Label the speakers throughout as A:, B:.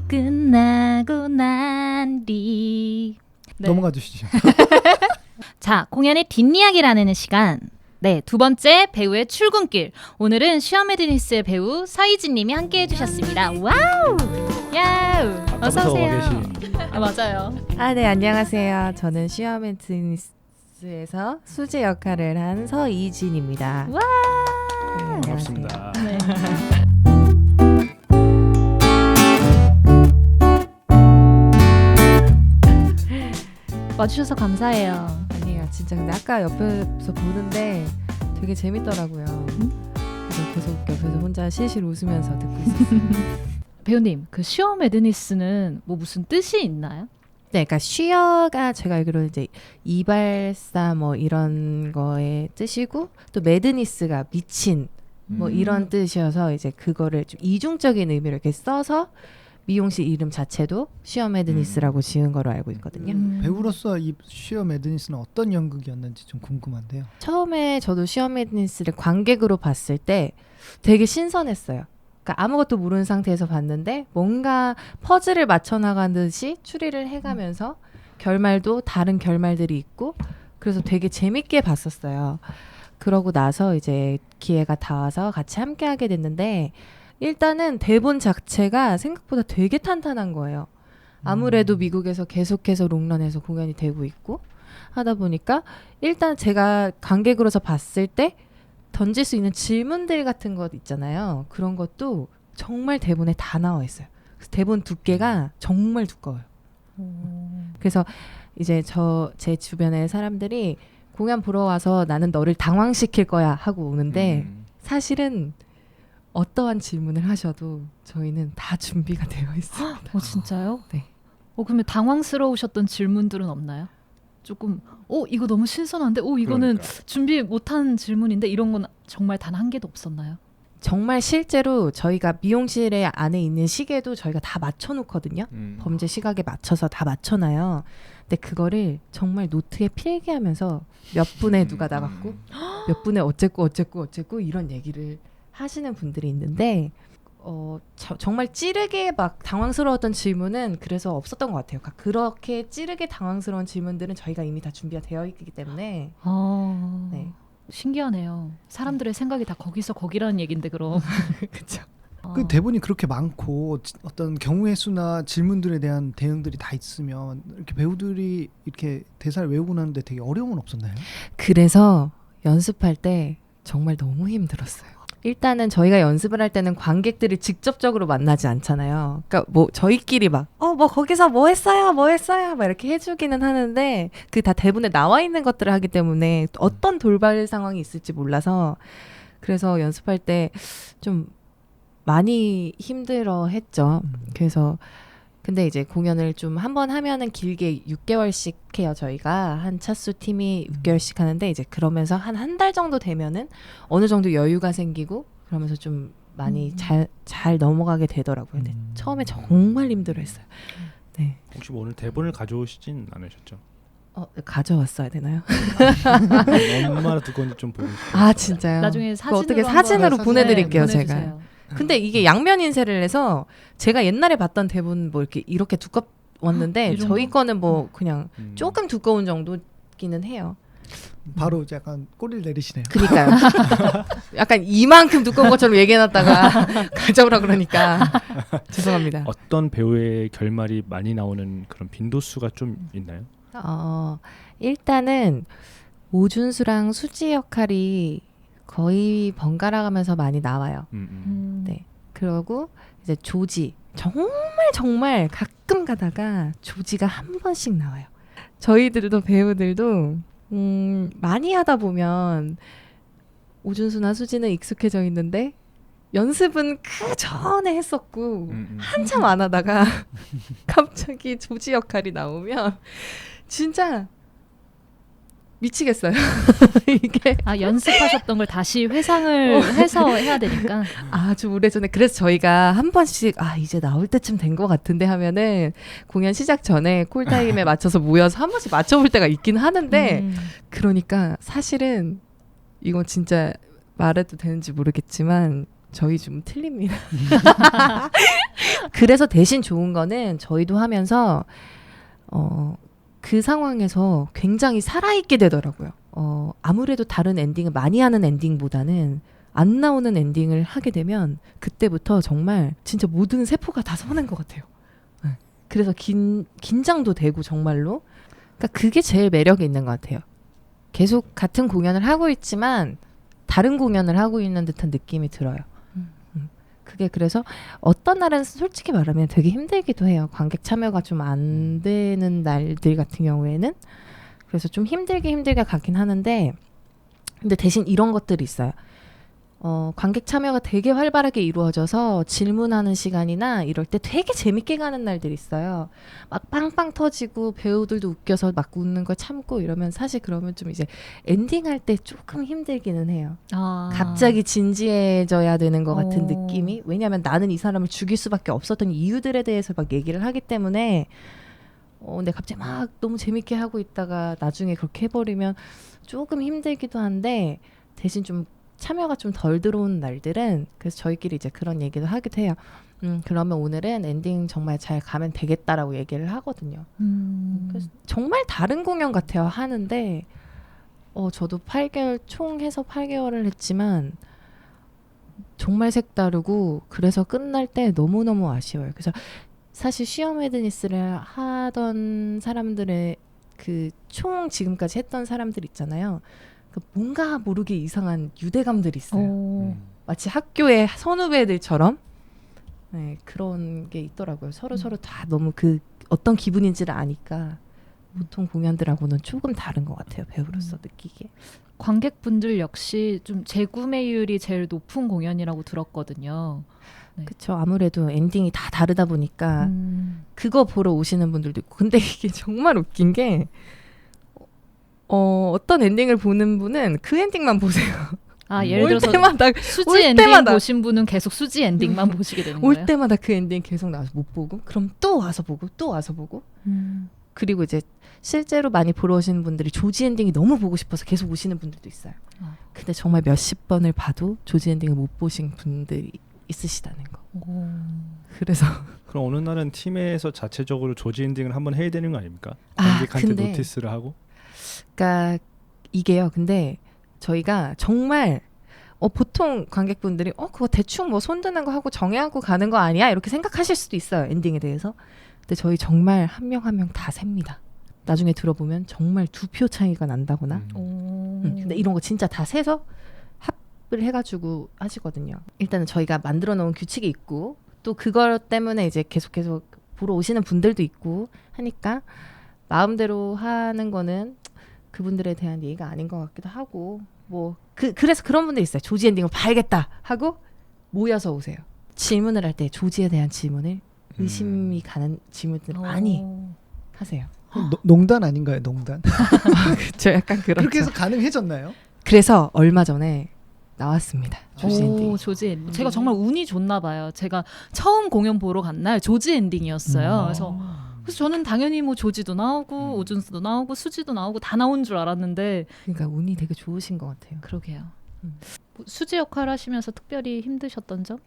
A: 끝나고 난 뒤. 네.
B: 넘어가 주시죠.
A: 자, 공연의 뒷이야기를 나누는 시간. 네, 두 번째 배우의 출근길. 오늘은 슈어매드니스의 배우 서희진 님이 함께 해주셨습니다. 와우! 야우! 어서 오세요. 아, 맞아요.
C: 네, 안녕하세요. 저는 슈어매드니스에서 수지 역할을 한 서희진입니다.
A: 와!
C: 네,
D: 반갑습니다.
A: 네. 와주셔서 감사해요.
C: 아니에요, 진짜. 근데 아까 옆에서 보는데 되게 재밌더라고요. 그래서 계속 옆에서 혼자 실실 웃으면서 듣고 있었어요.
A: 배우님, 그 슈어매드니스는 뭐 무슨 뜻이 있나요?
C: 네, 그러니까 슈어가 제가 알기로는 이제 이발사 뭐 이런 거의 뜻이고, 또 매드니스가 미친 뭐 이런 뜻이어서 이제 그거를 좀 이중적인 의미로 이렇게 써서 미용실 이름 자체도 슈어매드니스라고 지은 거로 알고 있거든요.
B: 배우로서 이 슈어매드니스는 어떤 연극이었는지 좀 궁금한데요.
C: 처음에 저도 슈어매드니스를 관객으로 봤을 때 되게 신선했어요. 그러니까 아무것도 모르는 상태에서 봤는데 뭔가 퍼즐을 맞춰 나가듯이 추리를 해가면서 결말도 다른 결말들이 있고, 그래서 되게 재밌게 봤었어요. 그러고 나서 이제 기회가 닿아서 같이 함께 하게 됐는데, 일단은 대본 자체가 생각보다 되게 탄탄한 거예요. 아무래도 미국에서 계속해서 롱런해서 공연이 되고 있고 하다 보니까 일단 제가 관객으로서 봤을 때 던질 수 있는 질문들 같은 것 있잖아요. 그런 것도 정말 대본에 다 나와 있어요. 그래서 대본 두께가 정말 두꺼워요. 그래서 이제 제 주변의 사람들이 공연 보러 와서 나는 너를 당황시킬 거야 하고 오는데 사실은 어떠한 질문을 하셔도 저희는 다 준비가 되어 있습니다.
A: 진짜요?
C: 네.
A: 그러면 당황스러우셨던 질문들은 없나요? 조금 이거 너무 신선한데 이거는
D: 그러니까.
A: 준비 못한 질문인데 이런 건 정말 단 한 개도 없었나요?
C: 정말 실제로 저희가 미용실에 안에 있는 시계도 저희가 다 맞춰놓거든요. 범죄 시각에 맞춰서 다 맞춰놔요. 근데 그거를 정말 노트에 필기하면서 몇 분에 누가 나갔고 몇 분에 어쨌고 이런 얘기를 하시는 분들이 있는데 정말 찌르게 막 당황스러웠던 질문은 그래서 없었던 것 같아요. 그러니까 그렇게 찌르게 당황스러운 질문들은 저희가 이미 다 준비가 되어 있기 때문에 네.
A: 신기하네요. 사람들의 생각이 다 거기서 거기라는 얘긴데 그럼.
C: 그렇죠.
B: 그 대본이 그렇게 많고 어떤 경우의 수나 질문들에 대한 대응들이 다 있으면 이렇게 배우들이 이렇게 대사를 외우고 나는데 되게 어려움은 없었나요?
C: 그래서 연습할 때 정말 너무 힘들었어요. 일단은 저희가 연습을 할 때는 관객들이 직접적으로 만나지 않잖아요. 그러니까 뭐 저희끼리 막 뭐 거기서 뭐 했어요 막 이렇게 해주기는 하는데 그 다 대본에 나와 있는 것들을 하기 때문에 어떤 돌발 상황이 있을지 몰라서, 그래서 연습할 때 좀 많이 힘들어 했죠. 그래서 근데 이제 공연을 좀 한 번 하면은 길게 6개월씩 해요. 저희가 한 차수 팀이 6개월씩 하는데, 이제 그러면서 한 달 정도 되면은 어느 정도 여유가 생기고 그러면서 좀 많이 잘 넘어가게 되더라고요. 근데 처음에 정말 힘들어했어요. 네.
D: 혹시 뭐 오늘 대본을 가져오시진 않으셨죠?
C: 가져왔어야 되나요?
D: 얼마나 두꺼운지 좀 보고 싶어요.
C: 진짜요?
A: 나중에 사진으로
C: 어떻게 사진으로
B: 한번
C: 보내드릴게요,
A: 보내주세요.
C: 제가. 근데 이게 양면 인쇄를 해서 제가 옛날에 봤던 대본 뭐 이렇게 두꺼웠는데
A: 이 정도?
C: 저희 거는 뭐 그냥 조금 두꺼운 정도기는 해요.
B: 바로 약간 꼬리를 내리시네요.
C: 그러니까요. 약간 이만큼 두꺼운 것처럼 얘기해놨다가 가져오라 그러니까 죄송합니다.
D: 어떤 배우의 결말이 많이 나오는 그런 빈도수가 좀 있나요?
C: 일단은 오준수랑 수지 역할이 거의 번갈아가면서 많이 나와요. 네. 그러고 이제 조지, 정말 가끔 가다가 조지가 한 번씩 나와요. 저희들도 배우들도 많이 하다 보면 오준수나 수지는 익숙해져 있는데 연습은 그 전에 했었고 한참 안 하다가 갑자기 조지 역할이 나오면 진짜 미치겠어요. 이게
A: 연습하셨던 걸 다시 회상을 해서 해야 되니까.
C: 아주 오래전에, 그래서 저희가 한 번씩 이제 나올 때쯤 된 것 같은데 하면은 공연 시작 전에 콜타임에 맞춰서 모여서 한 번씩 맞춰볼 때가 있긴 하는데 그러니까 사실은 이건 진짜 말해도 되는지 모르겠지만 저희 좀 틀립니다. 그래서 대신 좋은 거는 저희도 하면서 그 상황에서 굉장히 살아있게 되더라고요. 아무래도 다른 엔딩을 많이 하는 엔딩보다는 안 나오는 엔딩을 하게 되면 그때부터 정말 진짜 모든 세포가 다 서는 것 같아요. 네. 그래서 긴장도 되고 정말로. 그러니까 그게 제일 매력이 있는 것 같아요. 계속 같은 공연을 하고 있지만 다른 공연을 하고 있는 듯한 느낌이 들어요. 그게 그래서 어떤 날은 솔직히 말하면 되게 힘들기도 해요. 관객 참여가 좀 안 되는 날들 같은 경우에는. 그래서 좀 힘들게 가긴 하는데 근데 대신 이런 것들이 있어요. 관객 참여가 되게 활발하게 이루어져서 질문하는 시간이나 이럴 때 되게 재밌게 가는 날들이 있어요. 막 빵빵 터지고 배우들도 웃겨서 막 웃는 걸 참고 이러면 사실 그러면 좀 이제 엔딩할 때 조금 힘들기는 해요. 갑자기 진지해져야 되는 것 같은 느낌이. 왜냐하면 나는 이 사람을 죽일 수밖에 없었던 이유들에 대해서 막 얘기를 하기 때문에 근데 갑자기 막 너무 재밌게 하고 있다가 나중에 그렇게 해버리면 조금 힘들기도 한데 대신 좀 참여가 좀 덜 들어오는 날들은 그래서 저희끼리 이제 그런 얘기도 하기도 해요. 그러면 오늘은 엔딩 정말 잘 가면 되겠다라고 얘기를 하거든요. 그래서 정말 다른 공연 같아요. 하는데 저도 8개월 총 해서 8개월을 했지만 정말 색다르고 그래서 끝날 때 너무너무 아쉬워요. 그래서 사실 쉬어매드니스를 하던 사람들의 그 총 지금까지 했던 사람들 있잖아요. 뭔가 모르게 이상한 유대감들이 있어요. 마치 학교의 선후배들처럼 네, 그런 게 있더라고요. 서로 다 너무 그 어떤 기분인지를 아니까 보통 공연들하고는 조금 다른 것 같아요. 배우로서 느끼기에.
A: 관객분들 역시 좀 재구매율이 제일 높은 공연이라고 들었거든요. 네.
C: 그렇죠. 아무래도 엔딩이 다 다르다 보니까 그거 보러 오시는 분들도 있고. 근데 이게 정말 웃긴 게 어떤 엔딩을 보는 분은 그 엔딩만 보세요.
A: 예를 들어서
C: 때마다,
A: 수지 엔딩 보신 분은 계속 수지 엔딩만 보시게 되는 거예요?
C: 올 때마다 그 엔딩 계속 나와서 못 보고 그럼 또 와서 보고 또 와서 보고 그리고 이제 실제로 많이 보러 오시는 분들이 조지 엔딩이 너무 보고 싶어서 계속 오시는 분들도 있어요. 근데 정말 몇십 번을 봐도 조지 엔딩을 못 보신 분들이 있으시다는 거. 그래서
D: 그럼 어느 날은 팀에서 자체적으로 조지 엔딩을 한번 해야 되는 거 아닙니까? 관객한테
C: 근데
D: 노티스를 하고.
C: 그러니까 이게요. 근데 저희가 정말 보통 관객분들이 그거 대충 뭐 손드는 거 하고 정해하고 가는 거 아니야? 이렇게 생각하실 수도 있어요. 엔딩에 대해서. 근데 저희 정말 한 명 한 명 다 셉니다. 나중에 들어보면 정말 2표 차이가 난다거나. 근데 이런 거 진짜 다 세서 합을 해가지고 하시거든요. 일단은 저희가 만들어 놓은 규칙이 있고 또 그것 때문에 이제 계속 보러 오시는 분들도 있고 하니까 마음대로 하는 거는 그분들에 대한 예의가 아닌 것 같기도 하고 그래서 그런 분들 있어요. 조지 엔딩을 봐야겠다 하고 모여서 오세요. 질문을 할 때 조지에 대한 질문을 의심이 가는 질문들을 많이 하세요.
B: 농단 아닌가요? 농단.
C: 그렇죠. 약간 그렇죠.
B: 그렇게 해서 가능해졌나요?
C: 그래서 얼마 전에 나왔습니다. 조지 엔딩.
A: 조지 엔딩. 제가 정말 운이 좋나 봐요. 제가 처음 공연 보러 간 날 조지 엔딩이었어요. 그래서 저는 당연히 뭐 조지도 나오고 오준수도 나오고 수지도 나오고 다 나온 줄 알았는데
C: 그러니까 운이 되게 좋으신 것 같아요.
A: 그러게요. 수지 역할 하시면서 특별히 힘드셨던 점?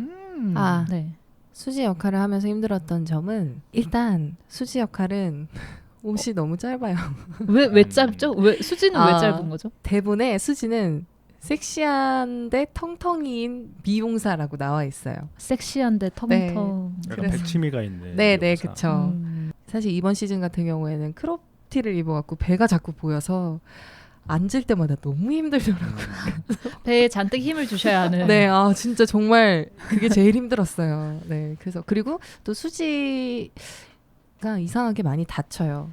C: 네. 수지 역할을 하면서 힘들었던 점은 일단 수지 역할은 옷이 너무 짧아요.
A: 왜 짧죠? 왜 수지는 왜 짧은 거죠?
C: 대본에 수지는 섹시한데 텅텅이인 미용사라고 나와 있어요.
A: 섹시한데 텅텅.
C: 네.
D: 약간 백치미가 있네.
C: 네네 그쵸. 사실 이번 시즌 같은 경우에는 크롭티를 입어갖고 배가 자꾸 보여서 앉을 때마다 너무 힘들더라고요.
A: 배에 잔뜩 힘을 주셔야 하는.
C: 네, 진짜 정말 그게 제일 힘들었어요. 네, 그래서 그리고 또 수지가 이상하게 많이 다쳐요.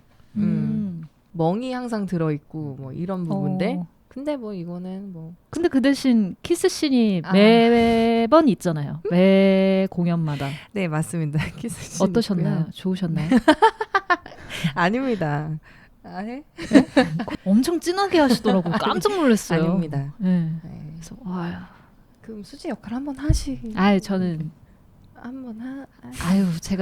C: 멍이 항상 들어있고 뭐 이런 부분들. 근데 뭐 이거는 뭐.
A: 근데 그 대신 키스씬이 매번 있잖아요. 매 공연마다.
C: 네, 맞습니다. 키스씬
A: 어떠셨나요?
C: 있고요.
A: 좋으셨나요?
C: 아닙니다. 네?
A: 엄청 진하게 하시더라고요. 깜짝 놀랐어요.
C: 아닙니다.
A: 네.
C: 네.
A: 그래서 와요.
C: 그럼 수지 역할 한번 하시.
A: 저는
C: 한번
A: 제가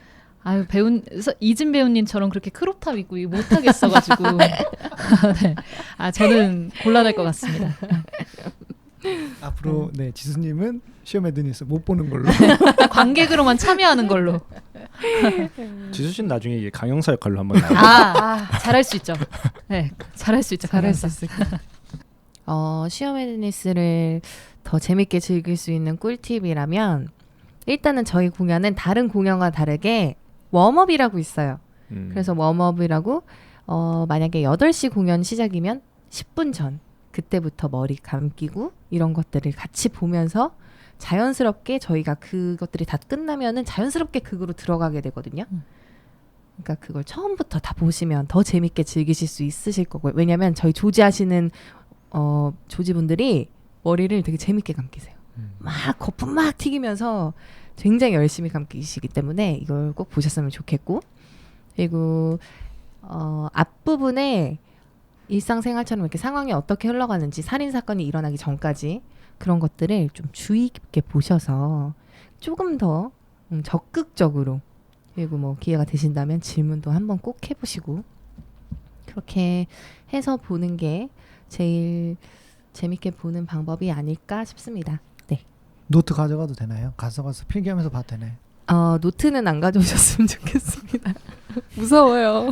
A: 이진 배우님처럼 그렇게 크롭탑 입고 못 하겠어가지고 네. 저는 곤란할 것 같습니다.
B: 앞으로 네 지수님은 시험 에드니스 못 보는 걸로.
A: 관객으로만 참여하는 걸로.
D: 지수 씨는 나중에 이게 강영사 역할로 한번 나와요.
A: 잘할 수 있죠. 네, 잘할 수 있죠.
C: 잘할 수
A: 강영사.
C: 있을까? 시험 에드니스를 더 재밌게 즐길 수 있는 꿀팁이라면 일단은 저희 공연은 다른 공연과 다르게 웜업이라고 있어요. 그래서 웜업이라고 만약에 8시 공연 시작이면 10분 전 그때부터 머리 감기고 이런 것들을 같이 보면서 자연스럽게 저희가 그것들이 다 끝나면은 자연스럽게 극으로 들어가게 되거든요. 그러니까 그걸 처음부터 다 보시면 더 재밌게 즐기실 수 있으실 거고요. 왜냐하면 저희 조지하시는 조지분들이 머리를 되게 재밌게 감기세요. 막 거품 막 튀기면서 굉장히 열심히 감기시기 때문에 이걸 꼭 보셨으면 좋겠고, 그리고 앞부분에 일상생활처럼 이렇게 상황이 어떻게 흘러가는지, 살인사건이 일어나기 전까지 그런 것들을 좀 주의 깊게 보셔서 조금 더 적극적으로, 그리고 뭐 기회가 되신다면 질문도 한번 꼭 해보시고 그렇게 해서 보는 게 제일 재밌게 보는 방법이 아닐까 싶습니다. 네.
B: 노트 가져가도 되나요? 가져가서 필기하면서 봐도 되나요?
C: 노트는 안 가져오셨으면 좋겠습니다. 무서워요.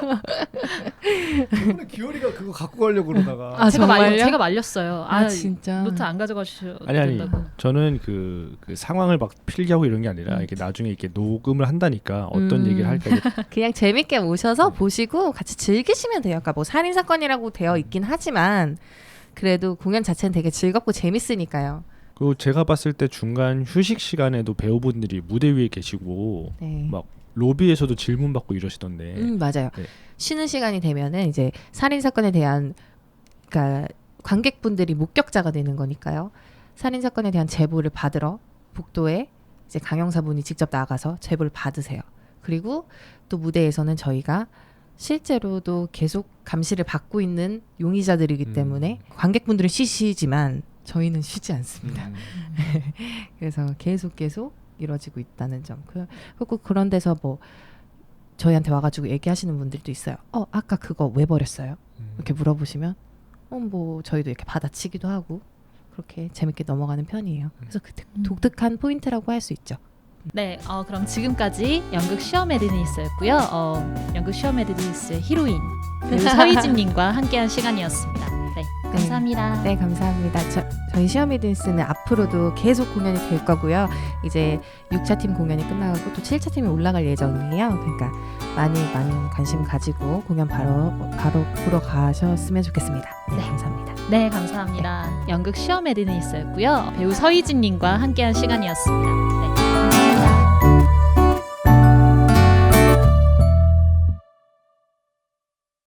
B: 이번에 기어리가 그거 갖고 가려고 그러다가
C: 정말요?
A: 제가 말렸어요.
C: 진짜.
A: 노트 안 가져가셔도
D: 아니
A: 된다고.
D: 저는 그 상황을 막 필기하고 이런 게 아니라 이게 나중에 이렇게 녹음을 한다니까 어떤 얘기를 할까 이게
C: 그냥 재밌게 오셔서 보시고 같이 즐기시면 돼요. 그러니까 뭐 살인 사건이라고 되어 있긴 하지만 그래도 공연 자체는 되게 즐겁고 재밌으니까요.
D: 그리고 제가 봤을 때 중간 휴식 시간에도 배우분들이 무대 위에 계시고
C: 네.
D: 막 로비에서도 질문 받고 이러시던데.
C: 맞아요.
D: 네.
C: 쉬는 시간이 되면은 이제 살인 사건에 대한, 그러니까 관객분들이 목격자가 되는 거니까요. 살인 사건에 대한 제보를 받으러 복도에 이제 강영사분이 직접 나가서 제보를 받으세요. 그리고 또 무대에서는 저희가 실제로도 계속 감시를 받고 있는 용의자들이기 때문에 관객분들은 쉬시지만 저희는 쉬지 않습니다. 그래서 계속 이루어지고 있다는 점. 그리고 그런 데서 뭐 저희한테 와가지고 얘기하시는 분들도 있어요. 아까 그거 왜 버렸어요? 이렇게 물어보시면 뭐 저희도 이렇게 받아치기도 하고 그렇게 재밌게 넘어가는 편이에요. 그래서 그 독특한 포인트라고 할 수 있죠.
A: 네, 그럼 지금까지 연극 시험 에드니스였고요. 연극 시험 에드니스의 히로인 배우 서희진님과 함께한 시간이었습니다. 네, 감사합니다.
C: 네, 감사합니다. 저희 시어미드니스는 앞으로도 계속 공연이 될 거고요. 이제 6차 팀 공연이 끝나고 또 7차 팀이 올라갈 예정이에요. 그러니까 많은 관심 가지고 공연 바로 보러 가셨으면 좋겠습니다. 네, 감사합니다.
A: 네, 감사합니다. 연극 시험 에드니스였고요. 배우 서희진님과 함께한 시간이었습니다. 네.